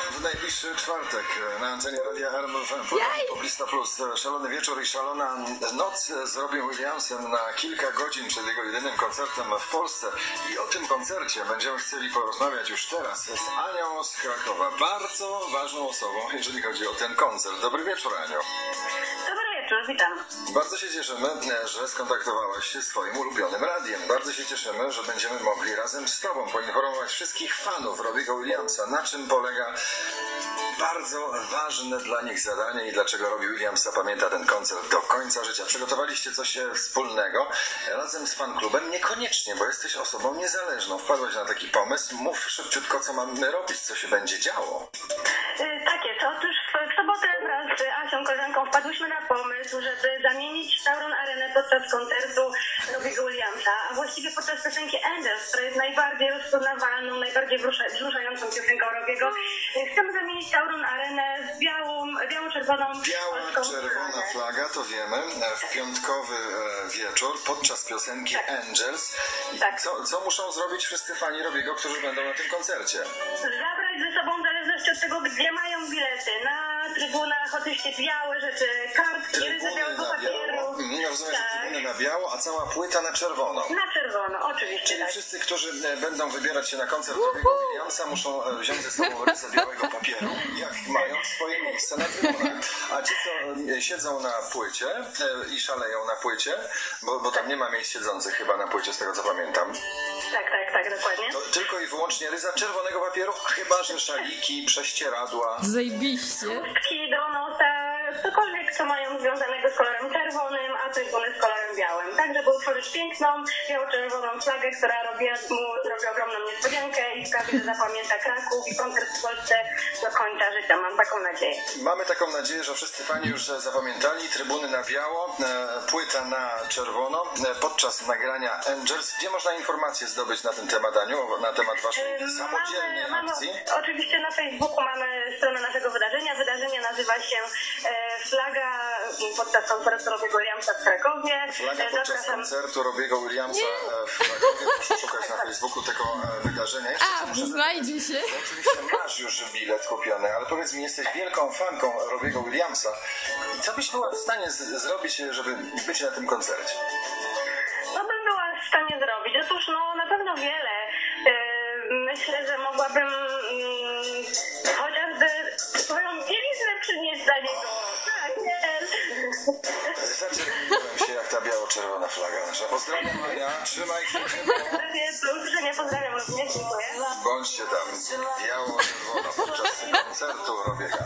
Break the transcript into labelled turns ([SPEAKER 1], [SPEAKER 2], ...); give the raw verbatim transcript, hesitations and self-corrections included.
[SPEAKER 1] W najbliższy czwartek na antenie Radia R M F M Poblista Plus Szalony Wieczór i Szalona Noc z Robin Williamsem na kilka godzin przed jego jedynym koncertem w Polsce. I o tym koncercie będziemy chcieli porozmawiać już teraz z Anią z Krakowa. Bardzo ważną osobą, jeżeli chodzi o ten koncert. Dobry wieczór, Aniu.
[SPEAKER 2] Dobry wieczór, witam.
[SPEAKER 1] Bardzo się cieszymy, że skontaktowałaś się z Twoim ulubionym radiem. Bardzo się cieszymy, że będziemy mogli razem z Tobą poinformować wszystkich fanów Robiego Williamsa, na czym polega bardzo ważne dla nich zadanie i dlaczego Robbie Williams zapamięta ten koncert do końca życia. Przygotowaliście coś wspólnego razem z fanklubem? Niekoniecznie, bo jesteś osobą niezależną. Wpadłaś na taki pomysł. Mów szybciutko, co mamy robić, co się będzie działo.
[SPEAKER 2] Yy, tak jest. Otóż w, w sobotę wraz z Asią, koleżanką, wpadłyśmy na pomysł, żeby zamienić Tauron Arenę podczas koncertu Robiego Williamsa, a właściwie podczas piosenki Angels, która jest najbardziej rozpoznawalną, najbardziej wzruszającą piosenką Robiego. Yy, chcemy zamienić Tauron Arenę z białą, biało-czerwoną
[SPEAKER 1] Biała-czerwona flaga, to wiemy, w piątkowy wieczór podczas piosenki tak. Angels. I tak. co, co muszą zrobić wszyscy fani Robiego, którzy będą na tym koncercie?
[SPEAKER 2] Zabrać ze sobą, w zależności od tego, gdzie mają bilety. Na trybunach oczywiście białe rzeczy, kartki, ryzy białego papieru.
[SPEAKER 1] Nie rozumiem,
[SPEAKER 2] tak.
[SPEAKER 1] że trybuny na biało, a cała płyta na czerwono.
[SPEAKER 2] Na czerwono, oczywiście.
[SPEAKER 1] Czyli
[SPEAKER 2] tak.
[SPEAKER 1] wszyscy, którzy będą wybierać się na koncert Robiego Williamsa, muszą wziąć ze sobą rysę białego papieru, jak mają swoje miejsce na trybunach. A ci, co siedzą na płycie i szaleją na płycie, bo, bo tam nie ma miejsc siedzących chyba na płycie, z tego co pamiętam.
[SPEAKER 2] Tak, tak, tak, dokładnie.
[SPEAKER 1] To tylko i wyłącznie ryza czerwonego papieru, chyba że szaliki, prześcieradła.
[SPEAKER 3] Zajebiście.
[SPEAKER 2] Chustki do nosa, cokolwiek, co mają związanego z kolorem czerwonym, a trybuny z kolorem białym. Tak, żeby utworzyć piękną, biało-czerwoną flagę, która robi mu robi ogromną niespodziankę i sprawi, że zapamięta Kraków i koncert w Polsce do końca życia. Mam taką nadzieję.
[SPEAKER 1] Mamy taką nadzieję, że wszyscy fani już zapamiętali. Trybuny na biało, płyta na czerwono podczas nagrania Angels. Gdzie można informacje zdobyć na ten temat, Aniu, na temat waszej yy, samodzielnej
[SPEAKER 2] mamy,
[SPEAKER 1] akcji?
[SPEAKER 2] Mamy, oczywiście na Facebooku mamy stronę naszego wydarzenia. Wydarzenie nazywa się e, Flaga podczas koncertu Robiego Williamsa w Krakowie.
[SPEAKER 1] Flaga podczas
[SPEAKER 2] Zapraszam.
[SPEAKER 1] koncertu Robiego Williamsa w Krakowie. Proszę szukać na Facebooku tego wydarzenia. Jeszcze
[SPEAKER 3] A, znajdzie się.
[SPEAKER 1] Oczywiście masz już bilet kupiony, ale powiedz mi, jesteś wielką fanką Robiego Williamsa. I co byś była w stanie z- zrobić, żeby być na tym koncercie?
[SPEAKER 2] Co bym była w stanie zrobić? Otóż no na pewno wiele. Yy, myślę, że mogłabym yy, chociażby swoją bieliznę przynieść dla niego. Tak, nie.
[SPEAKER 1] Zaczerwieniłem się jak ta biało-czerwona flaga nasza. Pozdrawiam, Ania, trzymaj się.
[SPEAKER 2] Nie pozdrawiam również, dziękuję.
[SPEAKER 1] Bądźcie tam biało-czerwono podczas koncertu Robiego